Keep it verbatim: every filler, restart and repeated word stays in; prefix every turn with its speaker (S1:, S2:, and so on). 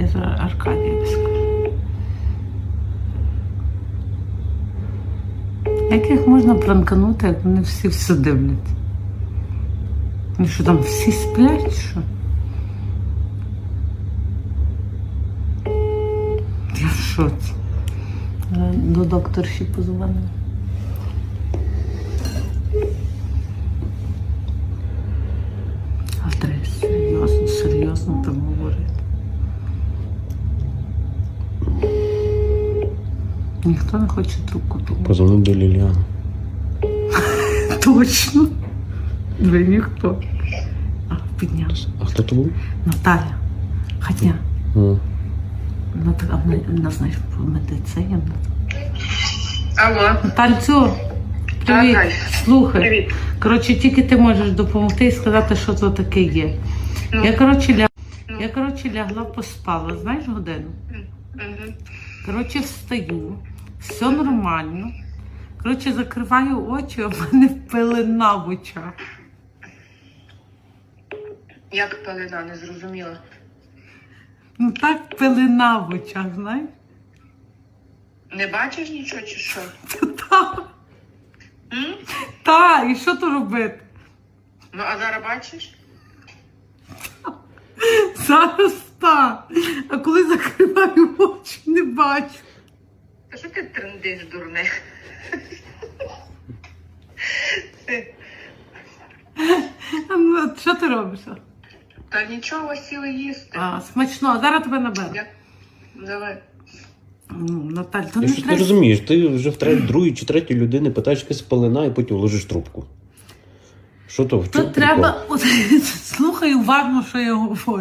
S1: зараз Аркадію скажу. Як їх можна пранканути, як вони всі все дивляться? Ну що, там всі сплять, що? Я в шоці. До докторші позвонила. А треба серйозно, серйозно там говорити. Ніхто не хоче трубку думати.
S2: Позвонив до Ліліани.
S1: Точно. Ви ніхто. А, підняв.
S2: А хто то був?
S1: Наталя. Хотя.
S2: А.
S1: Наталя, вона, знаєш, по медицині.
S3: Алло.
S1: Натальцю, привіт.
S3: Ага.
S1: Слухай.
S3: Привіт.
S1: Коротше, тільки ти можеш допомогти і сказати, що це таке є.
S3: Ну.
S1: Я, коротше, ля...
S3: Ну.
S1: Я, коротше, лягла, поспала, знаєш, годину?
S3: Угу.
S1: Коротше, встаю, все нормально. Коротше, закриваю очі, а в мене пелена в очах.
S3: Як пелена, не зрозуміла.
S1: Ну так пелена в очах, знаєш?
S3: Не бачиш нічого чи що?
S1: Так,
S3: М?
S1: та, і що то робити?
S3: Ну, а зараз бачиш?
S1: Зараз так. А коли закриваю очі, не бачу.
S3: Та що ти трендиш, дурне?
S1: А ну, що ти робиш?
S3: Та нічого, сіли їсти.
S1: А, смачно, зараз тебе наберу.
S3: Я... Давай.
S1: Ну, Наталь, то
S2: Ти
S1: не
S2: що ти
S1: треба.
S2: розумієш? Ти вже в третій, другій чи третій людини питаєш якась пелена і потім ложиш трубку. Що то? В
S1: То
S2: чому
S1: треба. От, слухай уважно, що я говорю.